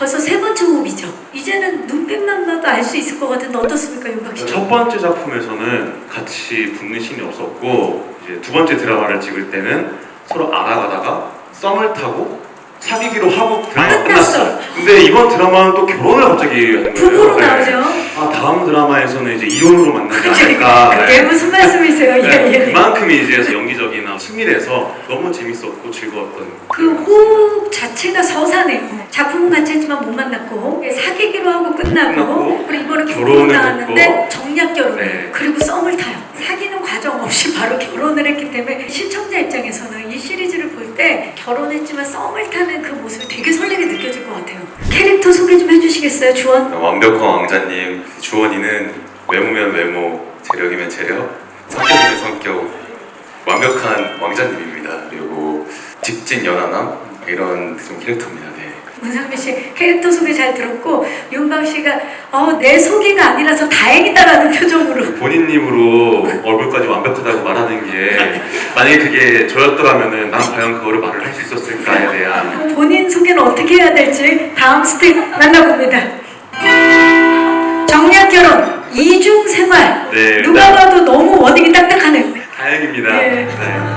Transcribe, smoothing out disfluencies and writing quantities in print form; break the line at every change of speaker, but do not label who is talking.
벌써 세 번째 호흡이죠. 이제는 눈빛만 봐도 알 수 있을 것 같은데 어떻습니까, 윤박 씨?
첫 번째 작품에서는 같이 붙는 신이 없었고 이제 두 번째 드라마를 찍을 때는 서로 알아가다가 썸을 타고 사귀기로 하고 드라마가 끝났어요. 근데 이번 드라마는 또 결혼을 갑자기 하는 거예요.
부부로 나오죠.
아, 다음 드라마에서는 이제 이혼으로 만나지 않을까.
그게 무슨 말씀이세요? 예.
그만큼이 이제 연기적이나 친밀해서 너무 재밌었고 즐거웠던
그 호흡 자체가 서사네요. 작품은 같이 했지만 못 만났고 사귀기로 하고 끝나고 그리고 이번에 결혼을 나왔는데 정략 결혼
네.
그리고 썸을 타요. 사귀는 과정 없이 바로 결혼을 했기 때문에 시청자 입장에서는 이 시리즈를 볼 때 결혼했지만 썸을 타는 그 모습이 되게 설레게 느껴질 것 같아요. 캐릭터 소개 좀 해주시겠어요, 주원?
완벽한 왕자님, 주원이는 외모면 외모, 재력이면 재력, 성격이면 성격, 완벽한 왕자님입니다. 그리고 직진 연하남 이런 좀 캐릭터입니다. 네.
문상민 씨 캐릭터 소개 잘 들었고 윤박 씨가 내 소개가 아니라서 다행이다라는 표정으로
본인 입으로 얼굴까지 완벽하다고 말하는 게 만약에 그게 저였더라면은 난 과연 그거를 말을 할 수 있었을까에 대한
본인 소개는 어떻게 해야 될지 다음 스텝 만나봅니다. 정략 결혼, 이중 생활.
네,
누가 봐도 너무 원익이 딱딱하네요.
다행입니다.
네.
네.